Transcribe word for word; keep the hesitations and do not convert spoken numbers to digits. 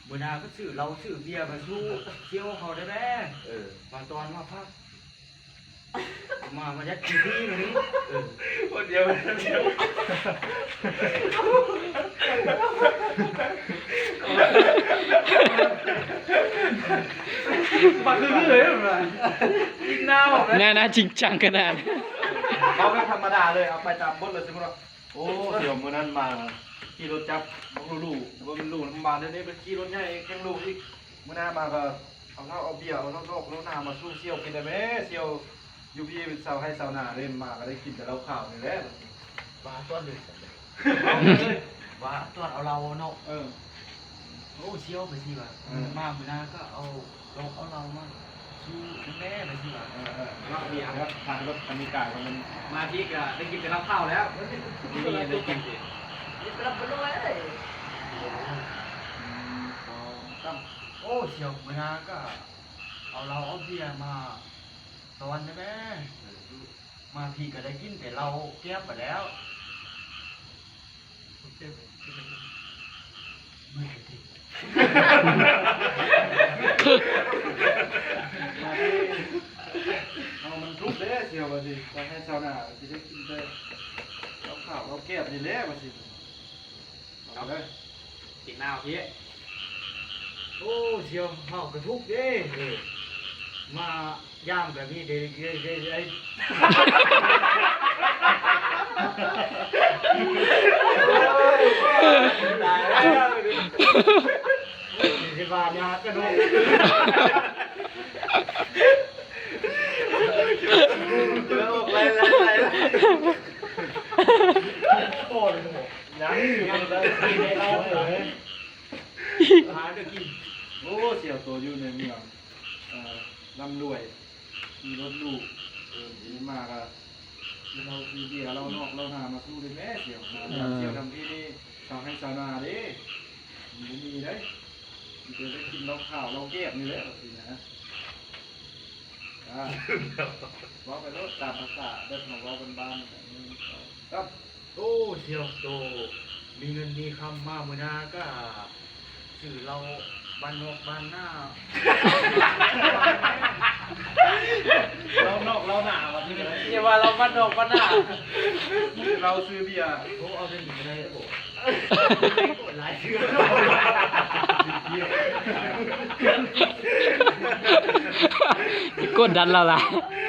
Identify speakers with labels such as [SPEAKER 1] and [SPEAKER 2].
[SPEAKER 1] เมื่อนาก็ซื้อเราซื้อเบียร์มาสู้เชี่ยวเขาได้แม่เออมาตอนมาพักมามายัดกี่ที่มาดิเออคนเดียวคนเดียวมาคือเลยเหรอยิงหน้าบอกเลย
[SPEAKER 2] น่าน่าจริงจังขนาด
[SPEAKER 3] เขาไม่ธรรมดาเลยเอาไปตามบทเลยสมมติว่าโอ้เดี๋ยวมื้อนั้นมาขี่รถจับลูกลูกว่ามันลูกมาเดี๋ยวนี้เป็นขี่รถใหญ่แข่งลูกอีกมื้อหน้ามาก็เอาเหล้าเอาเบียร์เอาเหล้าโลกเหล้าหน้ามาสู้เซี่ยวกินได้ไหมเซี่ยวยูพีเป็นสาวให้สาวหน้าเล่นมาก็ได้กินแต่เหล้าขาวนี่แหละ
[SPEAKER 1] ว่าต้นเลยว่าต้นเอาเราเนาะ
[SPEAKER 3] เออ
[SPEAKER 1] โอ้เชี่ยวไปสิว่ะมาเมื่อนาก็เอาลงเอาเรามาสู้แม่ไปสิว่ะ
[SPEAKER 3] เออเออเหล้าเบียร์ครับทางรถคันนี้กายมัน
[SPEAKER 1] มาที่ก็ได้กินแต่เหล้าข้าวแล้วนี่นี่ได้กินสิ
[SPEAKER 4] รับไปด้วยเลย
[SPEAKER 3] ตั้ม
[SPEAKER 1] โอ้เชี่ยวเมื่อนาก็เอาเราเอาเบียร์มาตอนได้ไหมมาพี่ก็ได้กินแต่เราแก้บไปแล้วไม่กระติก
[SPEAKER 3] มาที่เอามันทุกเด้เซี่ยวว่าสิจะให้สาวหน้าจะได้กินได้เหล้าขาวเหล้าแก้บนี่แหละว่าสิเอาเลย
[SPEAKER 1] ติดหน้าพี่โอ้เชี่ยวเฮากระทุกเด้มาย่างแบบนี้เด้เด้เด้เด้ตายแล้วสิบาทยากระดูกแล้วไปแล้วไปแล้วโอ้ยยังยังเลยกินได้เราเลยหาจะกิน
[SPEAKER 3] โอ้เสี่ยวตัวอยู่ในเมืองเอ่อร่ำรวยมีรถลูกเออดีมากอะเราคือเบียร์เรานอกเราหนามาสู้เลยแม่เสี่ยวมาเสี่ยวทำที่นี่ชาวให้ชาวนาดิมีมีได้มีเจอได้กินเราข่าวเราเก็บนี่แหละสินะอ่าว่าไปรถตามภาษาเด็กของเราเป็นบ้านครับ
[SPEAKER 1] โอ้เชียวโตมีเงินมีคำมาเมื่อนาก็สื่อเราบ้านนอกบ้านหน้า
[SPEAKER 3] เรานอกเราหนาวันนี้เลย
[SPEAKER 1] อย่าว่าเราบ้านนอกบ้านหน้า
[SPEAKER 3] เราซื้อเบียร์
[SPEAKER 1] โอ้เอาเป็นหนึ่งได้โอ้หลายเชื่อ
[SPEAKER 2] กดดันเราล่ะ
[SPEAKER 1] เ